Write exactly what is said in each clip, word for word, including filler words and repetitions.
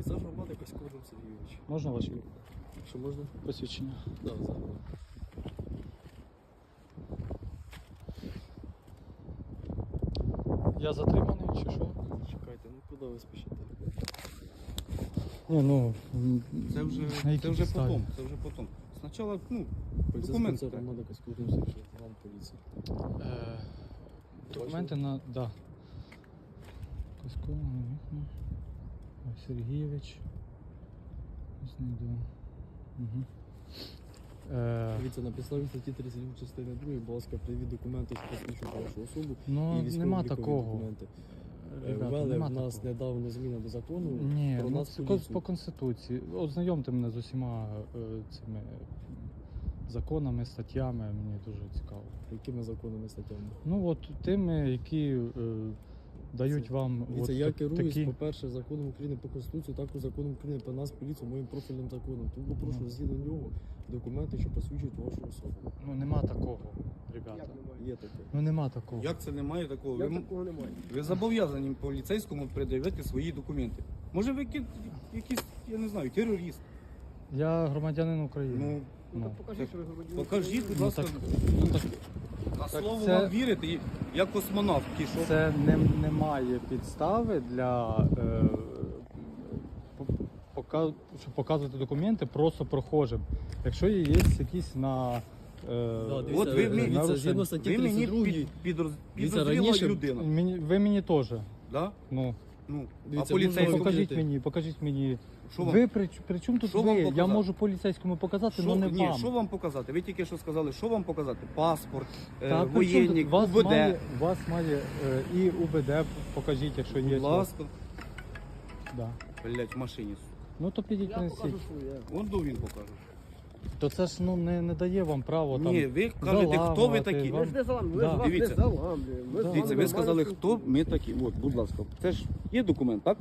Пейзаж громади Коськов Вадим Сергійович. Можна ваші Що можна? посвідчення? Так, да, зараз. Я затриманий чи що? Чекайте, ну куди ви спішите? Ні, ну, Це вже, на якій це вже підставі? потом, це вже потом. Спочатку, ну, Поліцейський документи центр треба. громади Коськов Вадим Сергійович, лейтенант поліції. Е, документи на... Да. Коськов, Ой, Сергійович. Знайду. Угу. Е, Дивіться, на підставі статті тридцять два частини другої, будь ласка, привід документи, що посвідчують вашу особу ну, і військово-облікові нема такого. документи. Е, Ребята, Ввели нема в нас такого. недавно зміни до закону Ні, про ну, нас це поліцію. по Конституції. Ознайомте мене з усіма е, цими законами, статтями, мені дуже цікаво. Якими законами статтями? Ну от тими, які е, дають Це- вам Дивіться, от я так- керуюсь, такі... по-перше, законом України по Конституції, також законом України про нас поліцію, моїм профільним законом. Тому попрошу Ну. згідно нього документи, що посвідчують вашу особу. Ну нема такого, ребята. Є таке. Ну нема такого. Як це немає такого? Як Ви, такого немає? ви зобов'язані поліцейському пред'явити свої документи. Може ви ки- якийсь, я не знаю, терорист. Я громадянин України. Ну, Ну, покажіть, що ви громадянин. покажіть, будь ну, ласка, так, ну, так на так слово це- вам вірите, і- як космонавт пішов. це не, немає підстави для е, по- пока- щоб показувати документи просто прохожим. Якщо є якісь на е, Да, дивіться, От ви е, мені- дивіться, нарушення. згідно статті Ви мені тридцять два, під, підроз, Дивіться, підозріла раніше- людина. мені, ви мені теж. Да? Ну, Ну, Дивіться, а поліцейському, можна покажіть вірити. мені, покажіть мені. що вам, Ви при, при чому тут Що ви? вам Я показати? можу поліцейському показати, що, але не ні, вам. що вам показати? Ви тільки що сказали, що вам показати? Паспорт, е, Та при чому воєнник, тут? вас УБД. має, вас має е, і УБД покажіть, якщо є. Будь ласка. Да. Блять, в машині. Ну то підіть Я принесіть. покажу, що я. Вон до він покаже. То це ж ну не, не дає вам право там. Ні, ви кажете, хто ви заламувати, такі. вам- Ми ж не заламуємо, ми Да. ж вас Дивіться. не заламуємо. Ми з Да. вами Дивіться, ви сказали, нормально хто ми такі. От, будь ласка. Це ж є документ, так?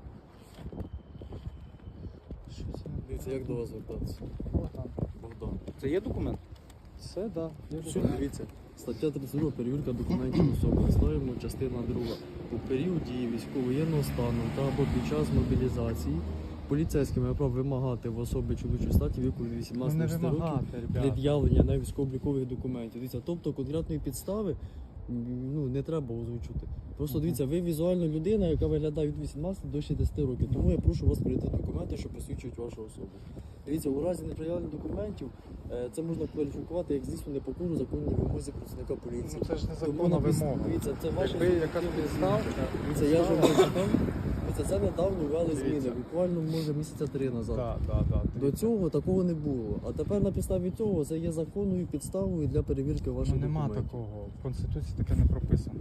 Що це? Дивіться, як до вас звертатися? Богдан. Богдан. Це є документ? Це да. є Все, документ. дивіться. Стаття тридцять два. Перевірка документів особи. Ставимо частина друга. У період дії військово-воєнного стану та або під час мобілізації поліцейський має право вимагати в особи чоловічої статі віку від Ну вісімнадцяти не до шістнадцяти років вимагати, ребята. пред'явлення на військово-облікових документів. Дивіться, тобто конкретної підстави м, ну, не треба озвучити. Просто Мгм. дивіться, ви візуально людина, яка виглядає від вісімнадцяти до шістдесяти років. Тому я прошу вас прийти документи, що посвідчують вашу особу. Дивіться, у разі неприявлення документів е, це можна кваліфікувати як звісно непокору законній вимозі працівника поліції. Ну це ж не Тому законна напис- вимога. Дивіться, це ваша Якби якась підстава, Дивіться, я ж вам прочитав. Дивіться, це недавно ввели зміни, Дивіться. буквально може місяця три назад. Да, да, да. До цього такого не було. А тепер на підставі цього це є законною підставою для перевірки ваших Ну нема документів. такого. В Конституції таке не прописано.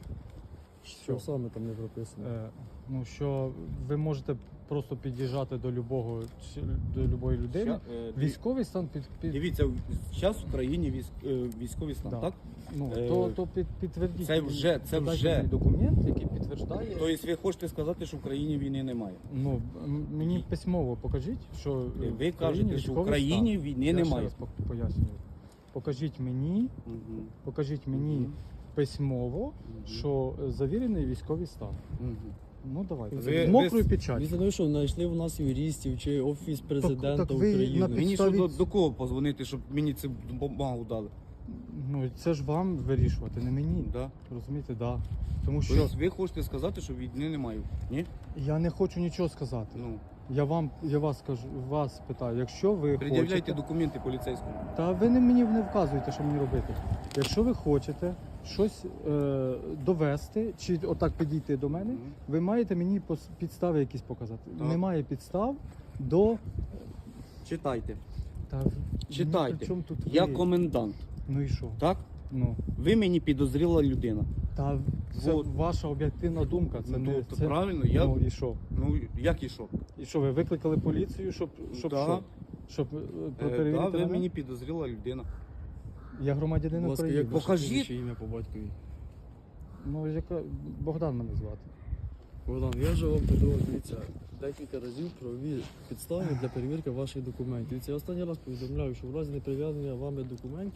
Що саме там не прописано? Е, ну що ви можете просто під'їжджати до любого чи- до любої людини. Ща- е, диві- Військовий стан під, під Дивіться, зараз в країні військ, е, військовий стан, Да. так? ну е, то, то під, підтвердіть. це вже- це додайте вже. мені документ, який підтверджає. Тобто ви хочете сказати, що в країні війни немає? Ну м- мені письмово покажіть, що е, Ви в країні кажете, що в військовий країні стан. війни Я ще немає. раз по- пояснюю. Покажіть мені, Мгм. покажіть мені Мгм. письмово, Мгм. що е, завірений військовий стан. Мгм. Ну давайте. Ви- З мокрою ви- печаттю. Дивіться, ну що, знайшли у нас юристів чи офіс президента так ви України. на Мені що підставі- до, до кого позвонити, щоб мені цю бумагу дали? Ну це ж вам вирішувати, не мені. Да? Розумієте, да. Тому що Тобто ви хочете сказати, що війни немає? Ні? я не хочу нічого сказати. Ну, Я вам, я вас кажу, вас питаю, якщо ви пред'являйте хочете, документи поліцейському. та ви не мені не вказуєте, що мені робити. Якщо ви хочете щось е, довести, чи отак підійти до мене, Мгм. ви маєте мені пос- підстави якісь показати. Так. Немає підстав до Читайте. та Читайте. ну, при чому тут Я ви? комендант, Ну і що? так? Ну Ви мені підозріла людина. та це Вот. ваша об'єктивна думка. Це ну, не то це. правильно, я. Ну і що? Ну, як і що? І що ви викликали поліцію, щоб щоб Да. що? Щоб е, Е, перевірити да, ви мене? мені підозріла людина. Я громадянин Будь ласка, України. як ваше Покажіть. прізвище, ім'я по батькові. Ну яка Богдан мене звати. Богдан, я вже вам подавав, дивіться, декілька разів правові підстави для перевірки ваших документів. Це я останній раз повідомляю, що в разі неприв'язання вами документів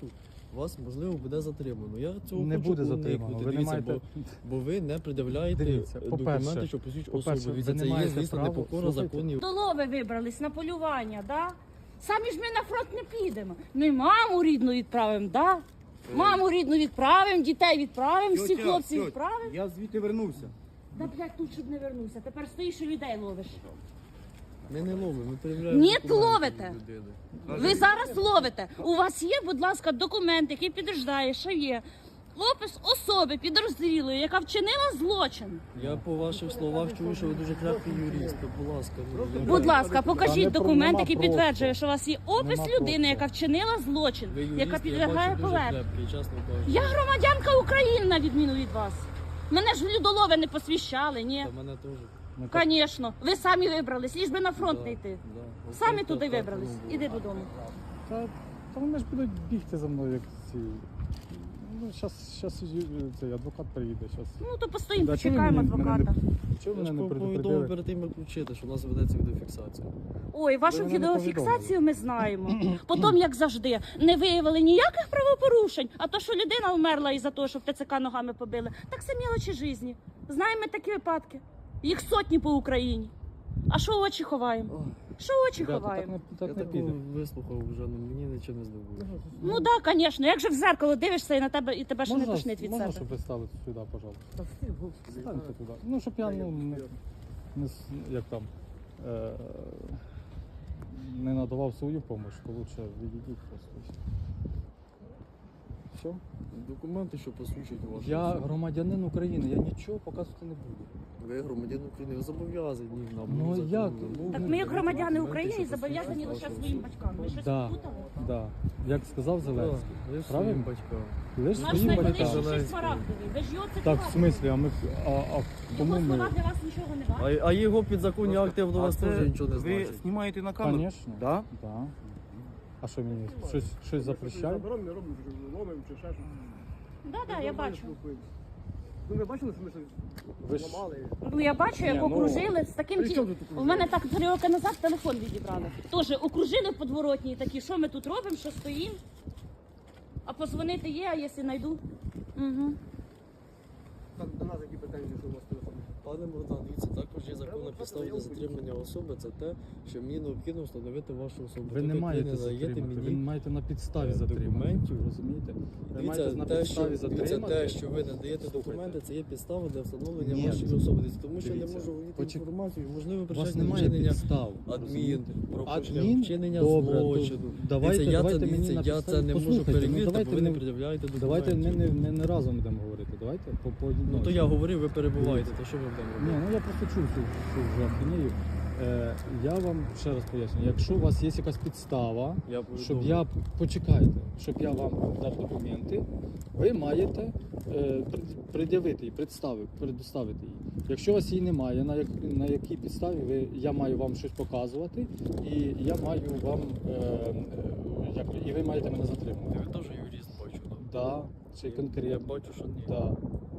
вас можливо буде затримано. Я цього Не хочу буде уникнути. затримано. Ви не Дивіться, маєте... бо, бо ви не пред'являєте Дивіться, документи, по-перше, що посвідчують по-перше, особу. ви Це не є, маєте звісно, права- непокора слухайте. законів. До лови вибрались на полювання, да? Самі ж ми на фронт не підемо. Ми маму рідну відправимо, да? Маму рідну відправимо, дітей відправимо, всіх Тьотя, хлопців тьотя, відправимо. Я звідти вернувся. Да, блядь, тут щоб не вернувся. Тепер стоїш і людей ловиш. Ми не ловимо, ми перевіряємо. Ні, документи ловите. людини. Ви зараз ловите. У вас є, будь ласка, документ, який підтверждає, що є опис особи підозрілої, яка вчинила злочин. Я по ваших словах чую, що ви дуже крепкий юрист. то, Будь ласка, ну, Будь ласка, Та не покажіть про- документ, нема який просто. підтверджує, що у вас є опис Нема людини, просто. яка вчинила злочин, ви юрист, яка я підлягає бачу, дуже поверненню. крепкий, чесно кажучи. Я громадянка України, на відміну від вас. Мене ж в людолови не посвящали, ні. Та мене теж. Ну, так, Звісно, ви самі вибрались, ліж би на фронт Да, не йти. да. Самі Ось туди так, так, вибрались. ну, було. Іди додому. Та, та вони ж будуть бігти за мною, як ці. Ну, щас, щас цей адвокат приїде. Щас. Ну то постоїмо, Да, чого ви почекаємо мене- мене адвоката. не- Чого Я мене ж не повідомив предупредили? перед тим, як включити, що у нас ведеться відеофіксація. Ой, вашу Ви мене не відеофіксацію ми знаємо. Потім, як завжди, не виявили ніяких правопорушень, а то, що людина вмерла із-за того, що в ТЦК ногами побили, так це мілочі житті. Знаємо ми такі випадки. Їх сотні по Україні. А що очі ховаємо? Ох, Що очі Ребята, так ховаємо? не, я так не такого піде. вислухав вже, ну мені нічого не здобуло. Ну так, звісно. Як же в зеркало дивишся і на тебе і тебе ще не тошнить від можна, себе. щоб ви стали сюди, пожалуйста? Станьте туди. Ну, щоб я ну, не, не, с- як там, е, не надавав свою допомогу, то лучше відійдіть просто. Все? Документи, що посвідчують вашу Я особу. громадянин України, я нічого показувати не буду. Ви громадян України, ви зобов'язані нам. Ну, законом, як? ну, Так ну, ми, як громадяни документи, України, що зобов'язані посвідчують лише вашу своїм особу. батькам. Ви щось Да. плутали? Да. Як сказав Так, Зеленський. ви Правильно? своїм батькам. Лиш Наш своїм найвеличніший батькам. Зеленський. смарагдовий. Ви ж його Так, в цитували. смислі, а ми а, а кому Його слова ми? для вас нічого не варті. А, а його підзаконні акти до А вас це теж нічого не ви значить. знімаєте на камеру? Звісно. Да? Да. А що мені? Щось, щось запрещає? Заборонено, не робимо, що ломимо чи ще щось. Да, да, я бачу. Ну ви бачили, що ми щось Ви ж- ламали? Ну я бачу, як Ні, ну, окружили з таким при ті... чому тут У окружили? мене так три роки назад телефон відібрали. Тоже окружили в подворотні і такі, що ми тут робимо, що стоїмо. А позвонити є, а якщо знайду. Угу. Так, до нас які претензії, що у вас телефон? Пане Богдан, дивіться, також є законна підстава для затримання особи. Це те, що мені необхідно встановити вашу особу. Ви не Так як маєте не даєте затримати, ви мені маєте на підставі е, затримати. документів. Розумієте? Ви Дивіться, маєте на те, що, підставі дивіться, затримати. те, що ви надаєте Слухайте. документи, це є підстава для встановлення Ні. вашої особи. Тому що я не Дивіться, можу володіти почек- інформацію, можливо, У вас причетне немає вчинення підстав. адмін, розумієте? про Адмін? вчинення Добре, то злочину. давайте, Дивіться, я давайте це, мені дивіться, на я підставі. це не можу Послухайте, ну, перевірити, давайте бо ви не ми- пред'являєте документів. Давайте ми не, не, не разом будемо говорити. Давайте по, по Ну то я говорив, ви перебуваєте, то що ми будемо Ні, робити? ну я просто чув цю, цю вже ахінею. Е, я вам ще раз поясню, якщо у вас є якась підстава, Я щоб повідомив. я почекайте, щоб я вам дав документи, ви маєте е, пред- пред'явити її, представити, предоставити її. Якщо у вас її немає, на, як, на якій підставі ви, я маю вам щось показувати, і я маю вам е, е, як, і ви маєте мене затримати. Ви теж юрист бачу, так? Да, чи Я конкретно. бачу, що ні. Да.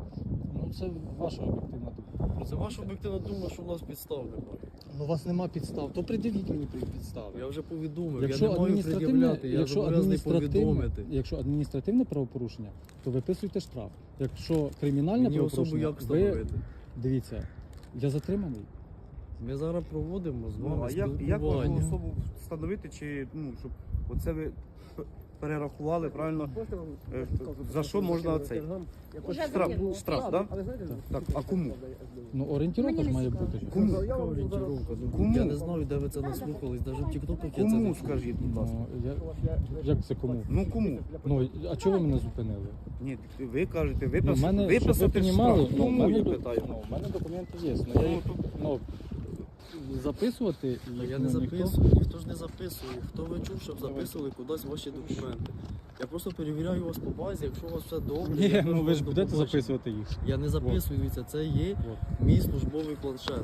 Ну це ваша об'єктивна думка. Ну, це ваша об'єктивна думка, що у нас підстав немає. Ну, у вас нема підстав, то пред'явіть мені підстави. Я вже повідомив, Якщо я не маю адміністративне, пред'являти, я якщо зобов'язаний адміністративне, повідомити. якщо адміністративне правопорушення, то виписуйте штраф. Якщо кримінальне Мені особу правопорушення, як ви встановити? дивіться, я затриманий. Ми зараз проводимо з Ну, вами а як, як вашу спілкування. особу встановити, чи ну, щоб оце ви п- перерахували правильно? Можете вам Е, показувати, за що можна закинути цей? телеграм? Якось Уже Штраф, закинули. штраф, так? Але знаєте, Так, а кому? Ну орієнтировка Мені ж не має цікаво. бути. ж. Кому? Я Яка вам зараз- орієнтировка? Ну, Кому? Я не знаю, де ви це наслухались, навіть в тіктоках я це не Кому чув. скажіть, будь ласка? Ну, я, як це кому? Ну кому? Ну, а чого ви мене зупинили? Ні, ви кажете, Ну, в виписати, мене, щоб ви виписати понімали, штраф. ну, в Кому, мене, я до- питаю? ну, в мене документи є. Ну, я їх, ну, записувати Та їх, Я не ну, ніхто- записую, ніхто ж не записує. Хто ви чув, щоб записували кудись ваші документи? Я просто перевіряю вас по базі, якщо у вас все добре. Ні, я ну кажу ви ж вам до будете побачення. записувати їх. Я не записую, дивіться, це є От. мій службовий планшет.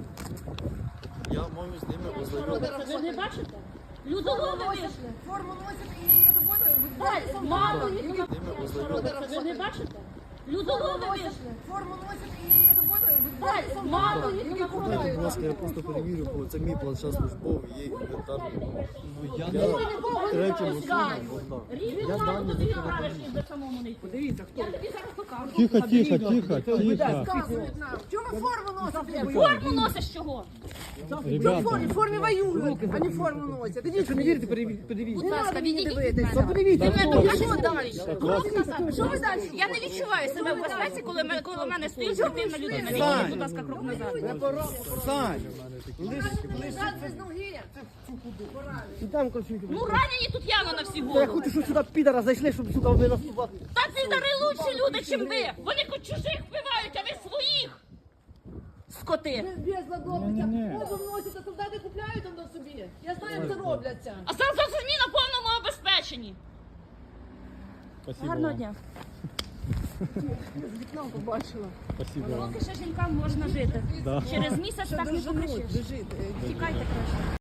Я маю з ними ознайомитися. Ви ж не бачите? Людолови вийшли. Форму носит и работает. Далі, мало їх на- З ними ознайомитися. Ви не бачите? Людолови вийшли. Форму носят и работают. Так, мало їх Дайте, будь ласка, я просто перевірю, бо це мій планшет службовий, є інвентарний. Ну, я третім особам Богдан. Я дані тобі не граєш до самому не йти. Подивіться, хто. Я тобі зараз покажу. Тихо, тихо, тихо, тихо. Рассказывают нам. Чего вы форму носите? Форму носиш чого? Ну, в Ребята, форме, в форме воюют, а не форму носят. Идите, Якщо не вірите, переві- подивіться. Будь ласка, відійдіть від дивитися. мене. Подивіться. Ти мене А дуже що далі? Крок назад. Що ви далі? Я не відчуваю себе в безпеці, коли ми- коло мене стоїть спортивна людина. Відійдіть, будь ласка, крок назад. Сань! Лежать без ноги. І там конфлікт. Ну ранені тут явно на всі Я голови. хочу, щоб сюди підара зайшли, щоб, сука, ви нас тут. Та підари лучші люди, чим ви. Вони хоч чужих вбивають, а ви своїх. Скоти. Без ладовниця. Форму носять, а солдати купляють там до собі. Я знаю, як це робляться. А зараз самі на повному обезпеченні. спасибо Гарного вам. дня. З вікна побачила. Спасибо вам. Поки ще жінкам можна жити. Да. Через місяць так не покажеш. Лежить. Тікайте краще.